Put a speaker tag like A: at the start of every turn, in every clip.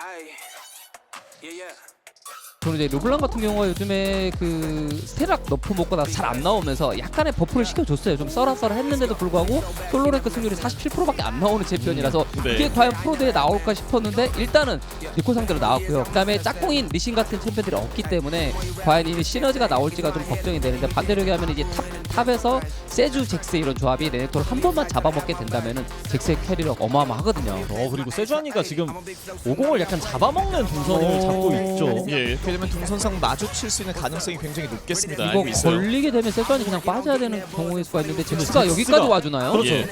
A: 저는 이제 르블랑 같은 경우가 요즘에 그 스테락 너프 먹고 나서 잘 안 나오면서 약간의 버프를 시켜줬어요. 좀 썰어썰어 했는데도 불구하고 솔로랭크 승률이 47%밖에 안 나오는 챔피언이라서
B: 네.
A: 이게 과연 프로대에 나올까 싶었는데 일단은 니코 상대로 나왔고요. 그 다음에 짝꿍인 리신 같은 챔피언들이 없기 때문에 과연 이 시너지가 나올지가 좀 걱정이 되는데 반대로 얘기하면 이제 탑에서 세주 잭스 이런 조합이 레넥토를 한 번만 잡아먹게 된다면은 잭스의 캐리력 어마어마하거든요.
C: 그리고 세주아니가 지금 50을 약간 잡아먹는 동선을 잡고 있죠.
B: 예, 이렇게 되면 동선상 마주칠 수 있는 가능성이 굉장히 높겠습니다.
A: 이거
B: 알고 있어요.
A: 걸리게 되면 세주안이 그냥 빠져야 되는 경우일 수가 있는데 잭스가
C: 잭스가-
A: 여기까지 와주나요?
C: 그렇죠.
B: 예.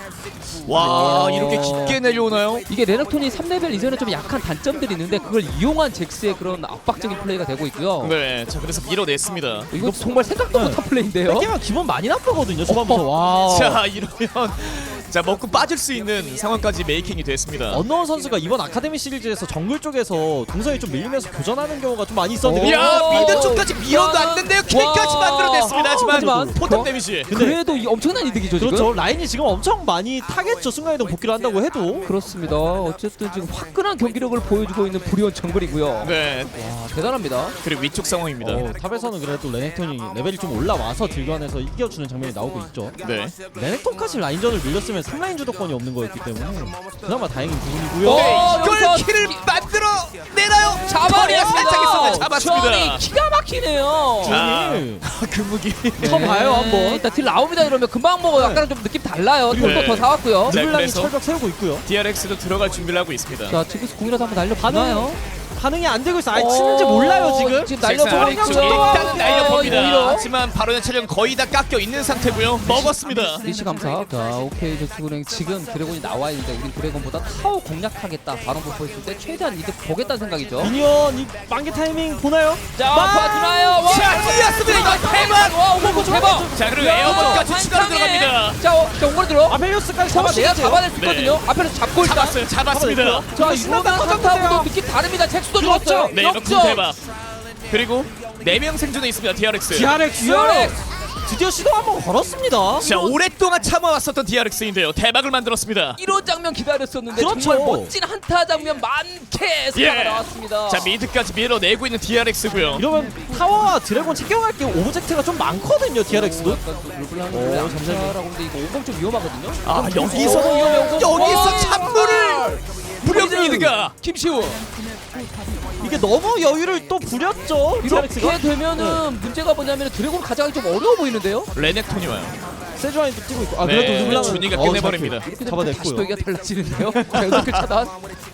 B: 와,
A: 어.
B: 이렇게 깊게 내려오나요?
A: 이게 레넥톤이 3레벨 이전에 좀 약한 단점들이 있는데 그걸 이용한 잭스의 그런 압박적인 플레이가 되고 있고요.
B: 네, 자 그래서 밀어냈습니다.
A: 이거 정말 생각도
C: 네.
A: 못한 플레이인데요.
C: 뺏기면 기분 많이 나쁘거든요. 초반부터. 와.
B: 자 이러면 자 먹고 빠질 수 있는 상황까지 메이킹이 됐습니다.
C: 언노원 선수가 이번 아카데미 시리즈에서 정글 쪽에서 동선이 좀 밀리면서 교전하는 경우가 좀 많이 있었는데
B: 야
A: 오.
B: 미드 쪽까지 밀어놨는데요. 킬까지
A: 와.
B: 만들어냈습니다. 하지만
A: 하지만
B: 포탑
A: 저-
B: 데미지.
C: 근데-
A: 그래도 이 엄청난 이득이죠 지금.
C: 그렇죠. 라인이 지금 엄청 많이 타겠죠. 순간이동 복귀를 한다고 해도.
A: 그렇습니다. 어쨌든 지금 화끈한 경기력을 보여주고 있는 브리온 정글이고요.
B: 네,
A: 와 대단합니다.
B: 그리고 위쪽 상황입니다.
C: 탑에서는 그래도 레넥톤이 레벨이 좀 올라와서 딜관에서 이겨주는 장면이 나오고 있죠.
B: 네.
C: 레넥톤까지 라인전을 밀렸으면 3라인 주도권이 없는 거였기 때문에 그나마 다행인 부분이고요.
A: 어,
B: 네, 이걸
A: 여기서
B: 킬을 만들어 내나요?
A: 잡아냈습니다.
B: 살짝 있었는데 잡았습니다.
A: 주원이 기가 막히네요.
C: 주원이
B: 그 무기.
C: 처음 봐요 한번.
A: 일단 딜 나옵니다 이러면 금방 먹어. 약간 좀 느낌 달라요.
C: 그리고-
A: 템포 더 사왔고요.
B: 자,
C: 르블랑이
B: 그래서-
C: 철벽 세우고 있고요.
B: DRX도 들어갈 준비를 하고 있습니다.
A: 자 지금서 공이라도 한번 날려보나요?
C: 반응이 안 되고 있어. 아예 치는지 몰라요 지금.
A: 지금
B: 잭슨
A: 날려보고
B: 아래쪽
A: 있고요.
B: 일단은 날려봅니다.
A: 오히려.
B: 하지만 바로는 체력 거의 다 깎여 있는 상태고요. 먹었습니다.
A: 리시 감사. 자 오케이 저축은행 지금 드래곤이 나와 있는데 우린 드래곤보다 타워 공략하겠다. 바로 보였을 때 최대한 이득 보겠다는 생각이죠.
C: 미니언 이 만개 타이밍 보나요?
A: 자 봐주나요?
B: 자, 뛰었습니다. 이거 대박!
A: 와 오고 대박.
B: 자, 그리고
A: 야,
B: 에어본까지 추가로
A: 한상에.
B: 들어갑니다.
A: 자 오고 들어.
C: 아펠리오스까지
A: 잡아내야
C: 잡아내야죠.
A: 잡아낼 수 있거든요. 앞에서 잡고 일단.
B: 잡았어요. 잡았습니다.
A: 자
C: 신난다,
A: 이거는
C: 커졌는데요.
A: 한타하고도 느낌 다릅니다. 잭스도
C: 그렇죠.
A: 좋았어요.
B: 네, 이거 군 대박. 그리고 4명 생존에 있습니다. DRX.
C: DRX 드디어 시도 한번 걸었습니다.
B: 자, 오랫동안 참아왔었던 DRX인데요. 대박을 만들었습니다.
A: 이런 장면 기다렸었는데
C: 그렇죠.
A: 정말 멋진 한타 장면 많게 스타가
B: 예.
A: 나왔습니다.
B: 자, 미드까지 밀어내고 있는 DRX고요.
C: 이러면 타워와 드래곤 챙겨갈 게 오브젝트가 좀 많거든요. DRX도.
A: 약간 또 르블랑이 잠시라고 근데 이거 오공 좀 위험하거든요.
B: 아,
A: 위험해, 오공.
B: 여기서
A: 와.
B: 찬물을 무력 미드가
A: 김시우
C: 이게 너무 여유를 또 부렸죠.
A: 이렇게
C: DRX가.
A: 되면은 문제가 뭐냐면 드래곤 가져가기 좀 어려워 보이는데요.
B: 레넥톤이 와요.
C: 세주아니도 뛰고 있고. 아
B: 네,
C: 그래도 르블랑은
B: 준이가 끝내버립니다.
A: 이렇게 되면
C: 잡아냈고요.
A: 다시 또 얘기가 달라지는데요. 자 여덟 개 차단.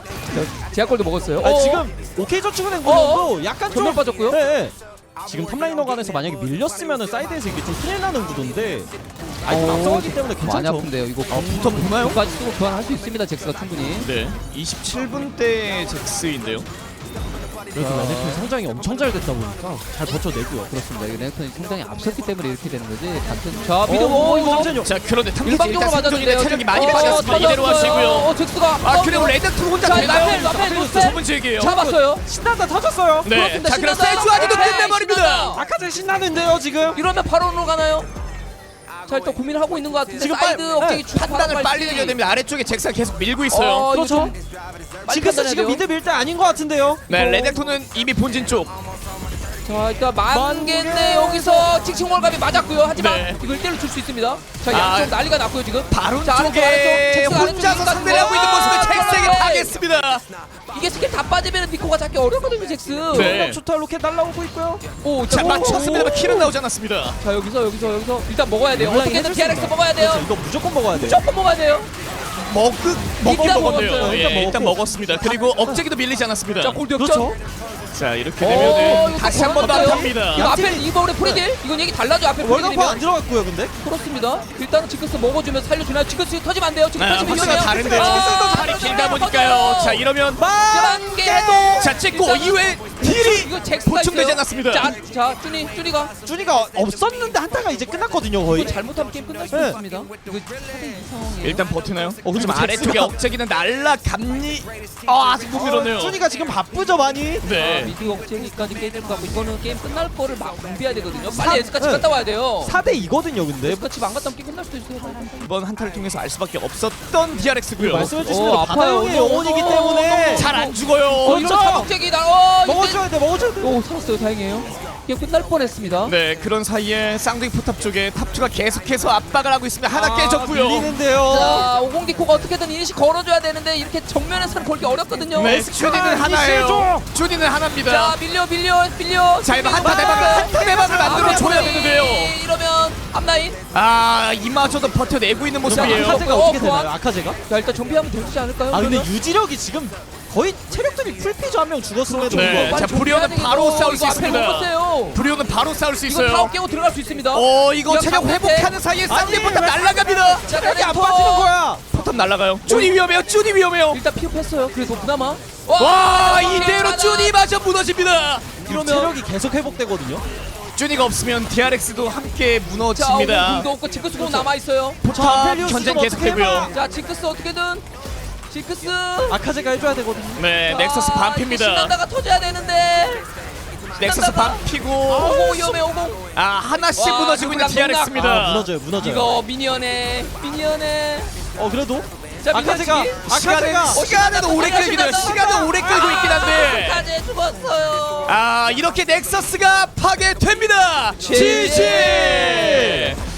A: 제약골도 먹었어요.
C: 아, 지금 오케이 저축은행
A: 어어?
C: 구도도 약간 좀
A: 전면 빠졌고요.
C: 네. 지금 탑라이너 간에서 만약에 밀렸으면은 사이드에서 이게 좀 큰일 나는 구도인데 아이템 앞서가기 때문에
A: 많이
C: 괜찮죠.
A: 아픈데요. 이거
B: 붙어 보나요?
A: 까지 쓰고 교환할 수 있습니다. 잭스가 충분히.
B: 네. 27분 대 잭스인데요.
C: 그래도 레넥톤 성장이 엄청 잘 됐다 보니까 잘 버텨내고요.
A: 그렇습니다. 이게 레넥톤이 성장이 앞섰기 때문에 이렇게 되는 거지. 단순 자 미드
C: 오,
A: 이거
C: 잠시만요.
B: 자, 그런데 탐지
A: 일방적으로
B: 일단 생존인데
A: 맞았는데요.
B: 체력이 많이 빠졌습니다. 이대로
A: 터졌어요.
B: 하시고요.
A: 잭스가
B: 아, 그리고 레넥톤 혼자
A: 자,
B: 되나요?
A: 라펠, 노스펠.
B: 좁은 지역이에요.
A: 잡았어요.
C: 신난다 터졌어요.
B: 네.
A: 그렇습니다.
B: 자, 그럼
A: 신난다.
B: 세주아니도
A: 네,
B: 끝내버립니다.
A: 신난다.
C: 아카제 신나는데요 지금.
A: 이러면 바론으로 가나요? 자 일단 고민을 하고 있는 것 같은데
C: 지금
A: 사이드
C: 빨리-
A: 억제기
C: 네.
A: 주고
B: 판단을 빨리 내려야 됩니다. 아래쪽에 잭스가 계속 밀고 있어요.
C: 그렇죠. 지금
A: 판단해야
C: 지금
A: 돼요.
C: 미드 밀 때 아닌 것 같은데요.
B: 네, 레넥톤은 이미 본진 쪽.
A: 자 일단 만개인데 여기서 칭칭 월갑이 맞았고요. 하지만
B: 네.
A: 이걸 1대1로 줄 수 있습니다. 자
B: 아,
A: 양쪽 난리가 났고요 지금.
B: 바로
A: 자, 아래쪽,
B: 쪽에
A: 아래쪽. 잭스가
B: 혼자서
A: 아래쪽
B: 상대를 하고 있는 모습에 잭스에게
A: 들어가요.
B: 당했습니다.
A: 이게 스킬 다 빠지면 니코가 잡기 어렵거든요 잭스.
B: 네.
C: 초타 로켓 날라오고 있고요.
A: 오,
B: 자,
A: 오,
B: 맞췄습니다만
A: 오.
B: 킬은 나오지 않았습니다.
A: 자 여기서 일단 먹어야 돼요.
C: 르블랑이
A: 어떻게든
C: 해줄 수
A: DRX
C: 있나요?
A: 먹어야 돼요.
C: 그렇죠, 이거 무조건 먹어야 돼요.
A: 무조건 먹어야 돼요.
B: 먹긴
A: 일단
B: 먹었네요.
A: 먹었어요.
B: 예, 일단
C: 먹었고.
B: 먹었습니다. 그리고 억제기도 밀리지 않았습니다.
A: 자 골드 역전.
C: 그렇죠.
B: 자, 이렇게
A: 오,
B: 되면은
A: 이거
B: 다시 한 번 더
A: 어때요?
B: 합니다.
A: 이거 앞에 이번에 프리딜? 이건 얘기 달라져 앞에
C: 월급파 안
A: 프리딜이면.
C: 들어갔고요, 근데.
A: 그렇습니다. 일단은 지크스 먹어주면 살려주나요? 지크스 터지면 안 돼요. 지금
B: 아,
A: 터지면
B: 확실히
A: 위험해요.
B: 다른데 지금 팔이 길다 보니까요. 자, 이러면
A: 만개도.
B: 자, 찍고 이후에 딜이
A: 이거 잭스가
B: 보충되지
A: 있어요.
B: 않았습니다.
A: 자, 쭈니가
C: 준이가 없었는데 한타가 이제 끝났거든요, 거의.
A: 이거 잘못하면 게임 끝날 수도
C: 네.
A: 있습니다. 이거 4대2 상황이에요.
B: 일단 버티나요?
C: 그리고
B: 좀 아래쪽에
C: 잭스가-
B: 억제기는 날라갑니? 아, 아직 못 밀었네요.
C: 준이가 지금 바쁘죠, 많이.
B: 네.
A: 미드 억제기까지 깨질 것 같고 이거는 게임 끝날 거를 막 준비해야 되거든요.
C: 사-
A: 빨리 에스카치
C: 네.
A: 갔다 와야 돼요.
C: 4대 2거든요, 근데.
A: 에스카치 안 갔다 오면 게임 끝날 수도 있어요.
B: 이번 한타를 통해서 알 수밖에 없었던 DRX고요.
C: 말씀해 주신 대로
A: 아파요.
C: 바다형의 영혼이기 때문에
B: 잘 안 죽어요.
A: 이러면
C: 먹어줘야 돼.
A: 오 살았어요. 다행이에요. 이게 끝날 뻔했습니다.
B: 네, 그런 사이에 쌍둥이 포탑 쪽에 탑2가 계속해서 압박을 하고 있습니다. 하나 깨졌고요.
C: 밀리는데요.
A: 자, 50디코가 어떻게든 이니시 걸어줘야 되는데 이렇게 정면에서는 걸기 어렵거든요.
B: 네, 쭈니는 하나예요. 쭈니는 하나입니다.
A: 자, 밀려.
B: 자, 이거 한타 대박을 만들어줘야 되는데요.
A: 이러면 앞라인.
B: 아, 이마저도 버텨내고 있는 모습이에요.
C: 아카제가
A: 어,
C: 어떻게
A: 보안.
C: 되나요? 아카제가?
A: 자, 일단 좀비하면 되지 않을까요?
C: 아 근데
A: 그러면?
C: 유지력이 지금 거의 체력들이 풀피즈 한 명 죽었음에도
B: 네.
C: 불구하고
B: 자, 브리오는 바로 싸울 수 있습니다.
A: 있습니다.
B: 브리오는 바로 싸울 수
A: 이거 다
B: 있어요.
A: 깨고 들어갈 수 있습니다.
B: 이거 체력
A: 방패.
B: 회복하는 사이에 쌍둥이
C: 아니,
B: 포탑
C: 왜-
B: 날아갑니다.
A: 자,
C: 체력이 안
A: 랜턴.
C: 빠지는 거야.
B: 포탑 날아가요. 쭈니 위험해요. 쭈니 위험해요.
A: 일단 피업했어요. 그래도 그나마.
B: 와,
A: 이렇게
B: 이대로
A: 하나.
B: 쭈니마저 무너집니다.
C: 이러면 체력이 계속 회복되거든요.
B: 쭈니가 없으면 DRX도 함께
A: 자,
B: 무너집니다.
A: 오공도 없고 징크스도 남아 있어요.
B: 포탑
C: 펠리우스
B: 전쟁
C: 좀
B: 계속되고요.
C: 어떻게 해봐.
A: 자, 징크스 어떻게든. 징크스.
C: 아카제가 해줘야 되거든요.
B: 네, 넥서스 반피입니다.
A: 신난다가 터져야 되는데.
B: 넥서스 반피고
A: 오공 위험해 오공.
B: 하나씩
A: 와,
B: 무너지고 있는
A: 누구나
B: DRX입니다.
C: 무너져요.
A: 이거 미니언에.
C: 그래도
A: 자,
C: 아카제가
B: 시간은 오래 끌긴 해요. 시간은 오래 끌고 있긴 한데
A: 아카제 죽었어요.
B: 이렇게 넥서스가 파괴됩니다. GG.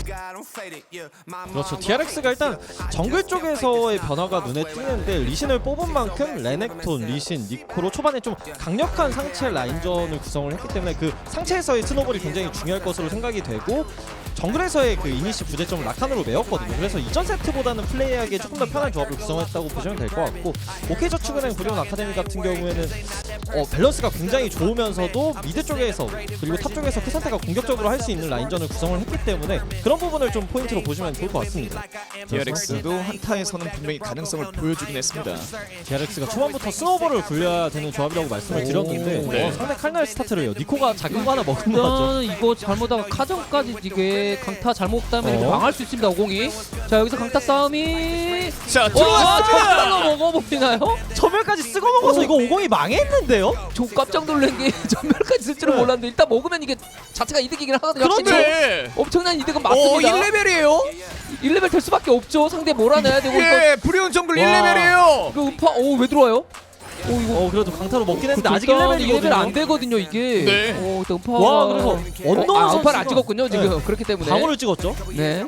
C: 그렇죠. DRX가 일단 정글 쪽에서의 변화가 눈에 띄는데 리신을 뽑은 만큼 레넥톤, 리신, 니코로 초반에 좀 강력한 상체 라인전을 구성을 했기 때문에 그 상체에서의 스노볼이 굉장히 중요할 것으로 생각이 되고 정글에서의 그 이니시 부재점을 라칸으로 메웠거든요. 그래서 이전 세트보다는 플레이하기에 조금 더 편한 조합을 구성했다고 보시면 될 것 같고 OK저축은행 브리온 아카데미 같은 경우에는 밸런스가 굉장히 좋으면서도 미드 쪽에서 그리고 탑 쪽에서 그 상태가 공격적으로 할 수 있는 라인전을 구성을 했기 때문에 그런 부분을 좀 포인트로 보시면 좋을 것 같습니다.
B: DRX도 한타에서는 분명히 가능성을 보여주긴 했습니다.
C: DRX가 초반부터 스노볼을 굴려야 되는 조합이라고 말씀을 드렸는데
B: 네.
C: 상대 칼날 스타트를 해요. 니코가 작은 거 하나 먹은 거 같죠?
A: 이거 잘못하다가 카정까지 이게 강타 잘못하면
C: 어?
A: 망할 수 있습니다. 오공이. 자, 여기서 강타 싸움이.
B: 자,
A: 정말로
B: 들어왔습니다.
A: 먹어보이나요?
C: 전멸까지 쓰고 먹어서 이거 50이 망했는데요?
A: 저 깜짝 놀란 게 전멸까지 쓸 줄은
C: 네.
A: 몰랐는데 일단 먹으면 이게 자체가 이득이긴 하거든요. 확실히.
B: 그런데
A: 엄청난 이득은 맞습니다.
B: 1레벨이에요?
A: 1레벨 될 수밖에 없죠. 상대 몰아내야 되고 이거
B: 예, 브리온 정글
C: 와.
B: 1레벨이에요.
A: 이거 음파 왜 들어와요? 이거
C: 그래도 강타로 먹긴 했는데 아직
A: 일단
C: 1레벨이거든요.
A: 1레벨 안 되거든요 이게.
B: 네.
A: 일단 음파.
C: 와, 그래서 언노운
A: 음파를 안
C: 선수가-
A: 찍었군요 지금.
C: 네.
A: 그렇기 때문에.
C: 방어를 찍었죠.
A: 네.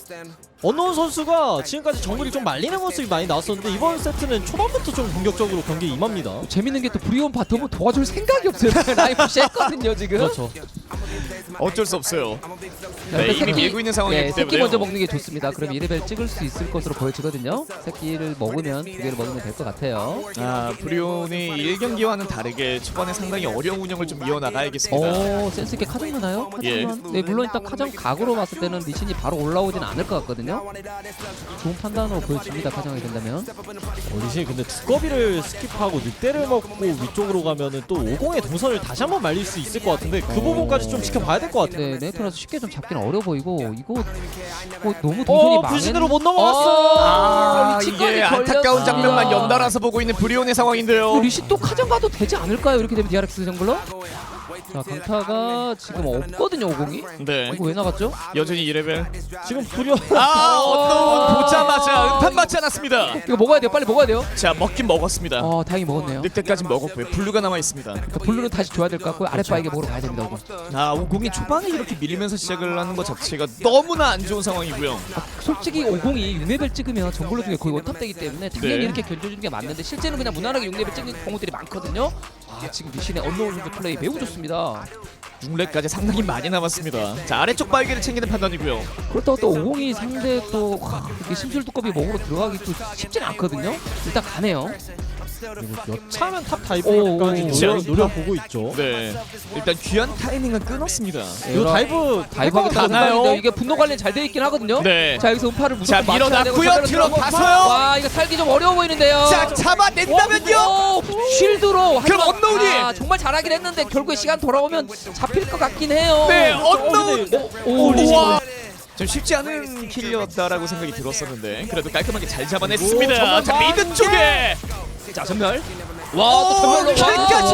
C: 언노운 선수가 지금까지 정글이 좀 말리는 모습이 많이 나왔었는데 이번 세트는 초반부터 좀 공격적으로 경기에 임합니다.
A: 재밌는 게 또 브리온 바텀은 도와줄 생각이 없어요. 라인 푸시했거든요 지금.
C: 그렇죠.
B: 어쩔 수 없어요.
A: 자,
B: 네,
A: 일단
B: 이미 밀고 있는 상황이기
A: 새끼
B: 때문에요.
A: 먼저 먹는 게 좋습니다. 그럼 1레벨 찍을 수 있을 것으로 보여지거든요. 새끼를 먹으면 2개를 먹으면 될 것 같아요.
B: 브리온이 1경기와는 다르게 초반에 상당히 어려운 운영을 좀 이어나가야겠습니다.
A: 센스 있게 카정 나나요?
B: 예.
A: 카정만. 네, 물론 일단 카정 각으로 봤을 때는 리신이 바로 올라오진 않을 것 같거든요. 좋은 판단으로 보여집니다. 카정이 된다면.
C: 리신이 근데 두꺼비를 스킵하고 늑대를 먹고 위쪽으로 가면은 또 50의 동선을 다시 한번 말릴 수 있을 것 같은데 그 부분까지 좀 지켜봐야 될 것 같아요.
A: 네, 네이트라서 쉽게 좀 잡기는 어려 보이고 이거 너무 동선이 망했.
C: 불신으로 못 넘어갔어.
B: 이게 안타까운 장면만 연달아서 보고 있는 브리온의 상황인데요.
A: 리신 또 카정 가도 되지 않을까요? 이렇게 되면 DRX 정글러? 자, 강타가 지금 없거든요, 50이.
B: 네,
A: 이거 왜 나갔죠?
B: 여전히 2레벨.
C: 지금 불연
B: 언노운 보자마자 음판 맞지 않았습니다.
A: 이거 먹어야 돼요. 빨리 먹어야 돼요.
B: 자, 먹긴 먹었습니다.
A: 다행히 먹었네요.
B: 늑대까지 먹었고요. 블루가 남아 있습니다.
A: 그러니까 블루는 다시 줘야 될 것 같고 아랫바에게 먹으러 가야 됩니다. 50.
B: 오공이 초반에 이렇게 밀리면서 시작을 하는 것 자체가 너무나 안 좋은 상황이고요.
A: 솔직히 50이 6레벨 찍으면 정글러 중에 거의 원탑되기 때문에 당연히
B: 네.
A: 이렇게 견뎌주는 게 맞는데 실제는 그냥 무난하게 6레벨 찍는 경우들이 많거든요. 지금 리신의 언노운 선수 플레이 매우 좋습니다.
B: 6렙까지 상당히 많이 남았습니다. 자, 아래쪽 발기를 챙기는 판단이고요.
A: 그렇다고 또 50이 상대 또 이렇게 심술 두꺼비 먹으러 들어가기 또 쉽지는 않거든요. 일단 가네요.
C: 여차하면 탑
A: 오,
C: 다이브까지
B: 오.
C: 노려보고 있죠.
B: 네, 일단 귀한 타이밍은 끊었습니다.
C: 이거
A: 다이브하기
B: 가나요?
A: 다나요? 이게 분노 관리 잘 돼 있긴 하거든요.
B: 네.
A: 자, 여기서 음파를
B: 자,
A: 무조건 맞춰야 되고
B: 밀어놨고요.
A: 상대로
B: 들어가서요.
A: 와, 이거 살기 좀 어려워 보이는데요.
B: 자, 잡아낸다면요.
A: 오, 쉴드로.
B: 그럼
A: 하지만-
B: 언노운이!
A: 정말 잘하긴 했는데 결국에 시간 돌아오면 잡힐 것 같긴 해요.
B: 네, 언노운.
A: 오,
B: 우와. 좀 쉽지 않은 킬이었다라고 생각이 들었었는데 그래도 깔끔하게 잘 잡아냈습니다.
C: 오,
B: 자, 미드 쪽에
A: 자, 전멸. 와, 또 전멸로
B: 킬까지.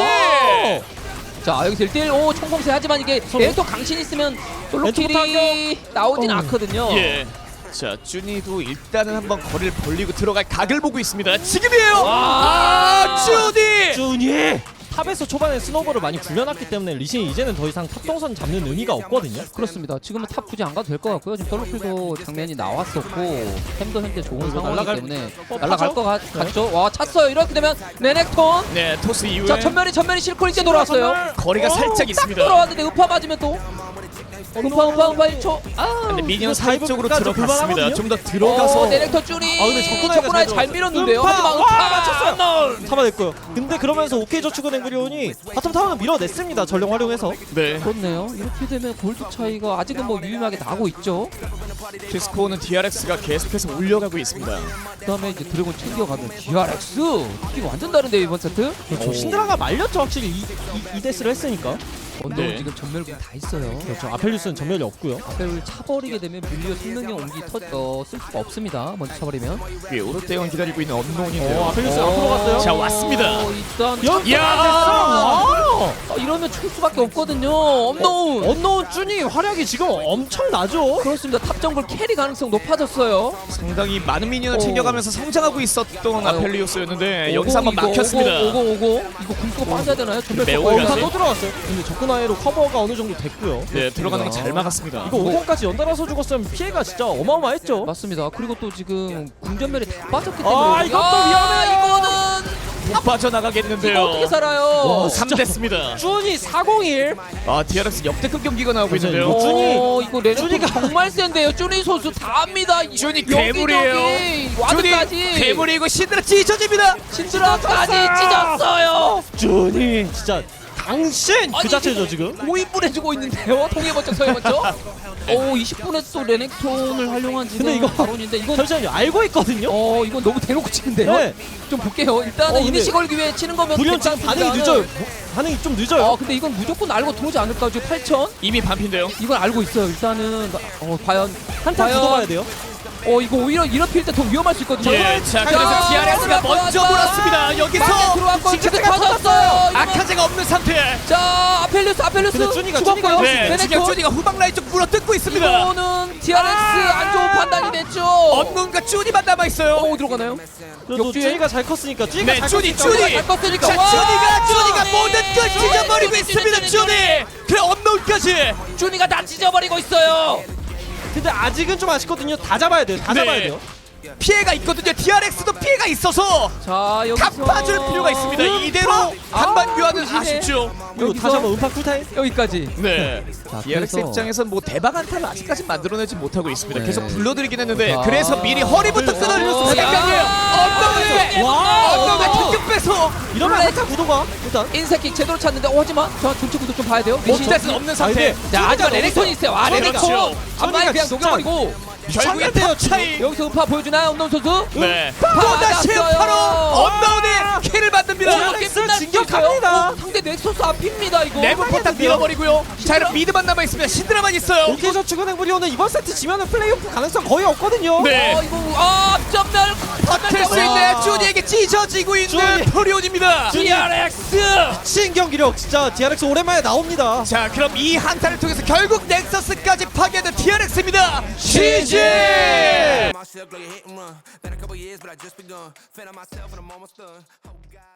A: 자, 여기서 1대1 총공세 하지만 이게 레이터 강신 있으면 솔로킬이 나오진 않거든요.
B: 예. 자, 쭈니도 일단은 한번 거리를 벌리고 들어갈 각을 보고 있습니다. 지금이에요.
A: 와.
B: 쭈니.
C: 준이 탑에서 초반에 스노볼을 많이 굴려놨기 때문에 리신이 이제는 더 이상 탑 동선 잡는 의미가 없거든요.
A: 그렇습니다. 지금은 탑 굳이 안 가도 될 것 같고요. 지금 솔로킬도 장면이 나왔었고 템도 현재 좋은
C: 이거
A: 상황이기
C: 날아갈-
A: 때문에
C: 어,
A: 날아갈
C: 파죠?
A: 것 같죠. 와 찼어요. 이렇게 되면 레넥톤.
B: 네, 토스 이후에
A: 자 전면이 실콜 이제 돌아왔어요.
B: 거리가 살짝
A: 딱
B: 있습니다.
A: 돌아왔는데 음파 맞으면 또 음파 1초. 아.
B: 근데 미니언
C: 이거
B: 사이
C: 다이브
B: 쪽으로
C: 끝까지
B: 들어갔습니다.
C: 불만하거든요?
B: 좀 더 들어가서
A: 네넥터 쭈니.
C: 아, 근데 접근하기가
A: 잘
C: 잘
A: 밀었는데요.
C: 음파!
A: 하지만
C: 와,
A: 음파
C: 맞췄어요! 잡아냈고요. 근데 그러면서 OK저축은 앵그리온이 바텀 타워는 밀어냈습니다. 전령 활용해서.
B: 네,
A: 그렇네요. 이렇게 되면 골드 차이가 아직은 뭐 유의하게 나고 있죠.
B: 키스코어는 DRX가 계속해서 올려가고 있습니다.
A: 그다음에 이제 드래곤 챙겨가면 DRX 느낌 완전 다른데요 이번 세트.
C: 그렇죠. 신드라가 말렸죠. 확실히 이 데스를 했으니까.
A: 언더는
B: 네.
A: 지금 전멸군 다 있어요.
C: 그렇죠. 아펠리우스는 전멸이 없고요.
A: 앞을 차버리게 되면 밀리어 생명력 옹기 쓸 수가 없습니다. 먼저 차버리면.
B: 위에 오롯대원 기다리고 있는 언노운인데요.
C: 아펠리우스 앞으로 갔어요.
B: 자, 왔습니다.
A: 일단
C: 야!
A: 와! 이러면 출 수밖에 없거든요. 업노운.
C: 언노운 쭈니 활약이 지금 엄청나죠.
A: 그렇습니다. 탑 정글 캐리 가능성 높아졌어요.
B: 상당히 많은 미니언을
A: 오.
B: 챙겨가면서 성장하고 있었던
A: 아유.
B: 아펠리오스였는데 여기서 한번 막혔습니다.
A: 오고 이거 궁수가 빠져야 되나요? 전멸
B: 매우
A: 쏘고.
B: 가지.
C: 또 들어갔어요. 근데 접근하에로 커버가 어느 정도 됐고요.
B: 네, 들어가는 거 잘 막았습니다.
C: 이거 5공까지 연달아서 죽었으면 피해가 진짜 어마어마했죠.
A: 맞습니다. 그리고 또 지금 궁전멸이 다 빠졌기 때문에.
C: 아, 이것도 위험해요.
A: 이거는
B: 못 빠져나가겠는데요.
A: 이거 어떻게 살아요?
C: 와,
B: 3대습니다.
C: 쭈니 401.
B: 아, DRX 역대급 경기가 나오고
C: 맞아요.
B: 있는데요.
C: 쭈니.
A: 이거 레넥톤
C: 쭈니가-
A: 정말 센데요. 쭈니 선수 다 합니다.
B: 쭈니
A: 여기,
B: 괴물이에요.
A: 여기, 와드까지.
B: 괴물이고 신드라 찢어집니다.
A: 신드라까지 찢었어요.
C: 쭈니 진짜 당신 그
A: 아니,
C: 자체죠 지금.
A: 5인분 해주고 있는데요. 동해 번쩍 서해 번쩍. 20분에 또 레넥톤을 활용한 지금
C: 근데 이거
A: 바론인데 이건
C: 잠시만요. 알고 있거든요.
A: 이건 너무 대놓고 치는데요.
C: 네.
A: 좀 볼게요. 일단은
C: 근데
A: 이니시 걸기 위해 치는 거면
C: 불리온 지금 반응이 늦어요. 반응이 좀 늦어요.
A: 근데 이건 무조건 알고 들어오지 않을까? 지금 8천.
B: 이미 반피인데요.
A: 이건 알고 있어요. 일단은 과연
C: 한타 굳어봐야 돼요.
A: 이거 오히려 이런 필 때 더 위험할 수 있거든요.
B: 예, 자,
A: 자,
B: 그래서 DRX가 먼저
A: 들어왔다.
B: 몰았습니다.
A: 막에
B: 여기서
A: 들어왔고
B: 직접
A: 근데 터졌어요. 이거-
B: 아카제가 없는 상태.
A: 자, 아펠리우스
C: 근데 쭈니가
A: 죽었고요.
B: 네, 지금
A: 레넥톤.
B: 쭈니가 후방 라인 쪽 물어뜯고 있습니다.
A: 이거는 DRX 안 좋은 판단이 됐죠.
B: 언론과 쭈니만 남아 있어요.
A: 들어가나요?
C: 그래도
A: 역주행?
C: 쭈니가 잘 컸으니까 쭈니가
B: 네,
C: 잘
B: 쭈니,
C: 컸으니까
B: 쭈니.
A: 잘 껐으니까.
B: 자,
A: 와,
B: 쭈니가
A: 쭈니.
B: 모든 걸 찢어버리고
A: 쭈니,
B: 있습니다.
A: 쭈니,
B: 쭈니. 그래, 언론까지.
A: 쭈니가 다 찢어버리고 있어요.
C: 근데 아직은 좀 아쉽거든요. 다 잡아야 돼요. 다
B: 네.
C: 잡아야 돼요.
B: 피해가 있거든요. DRX도 피해가 있어서
A: 자, 여기서
B: 갚아줄 필요가 있습니다. 이대로 한반 교환은
A: 부시네.
B: 아쉽죠.
C: 이거
A: 여기서-
C: 다시 한번 음파 쿨타임.
A: 여기까지.
B: 네.
A: 자,
B: DRX
A: 그래서-
B: 입장에선 뭐 대박 한타를 아직까지 만들어내지 못하고 있습니다.
A: 네.
B: 계속 불러드리긴 했는데
A: 자.
B: 그래서 미리 허리부터 끊어주셨습니다. 생각이에요.
A: 와,
B: 언덕에 특급 배속.
C: 이러면 한타 구도가 일단
A: 인사킥 제대로 찼는데 하지만 저 전체 구도 좀 봐야 돼요.
B: 몬스터는 없는 상태.
C: 아니,
A: 자, 하지만 레넥톤이 있어요. 레넥톤.
B: 그렇죠.
A: 앞라인 그냥
C: 진짜-
A: 녹여버리고
B: 결국에 탑 차이.
A: 여기서 음파 보여주나요, 엄동 선수?
B: 네.
A: 맞았어요.
B: 또다시 바로 언다운이 킬을 만듭니다.
A: 이렇게 끝날 수
C: 진격합니다.
A: 있어요? 상대 넥서스 앞입니다 이거.
B: 내부 포탑 밀어버리고요. 자, 그럼 미드만 남아 있습니다. 신드라만 있어요.
C: 오케이저축은 앵그리온은 이번 세트 지면은 플레이오프 가능성 거의 없거든요.
B: 네.
A: 이거 앞전멸
B: 버틸 수 있는 쭈니에게 찢어지고 있는
C: 쭈니.
B: 프리온입니다.
A: DRX.
C: 미친 경기력 진짜 DRX 오랜만에 나옵니다.
B: 자, 그럼 이 한타를 통해서 결국 넥서스까지 파괴하는 DRX입니다. GG!
D: Myself like a hit and run. Been a couple years, but I just begun. Fed on myself and I'm almost done. Oh God.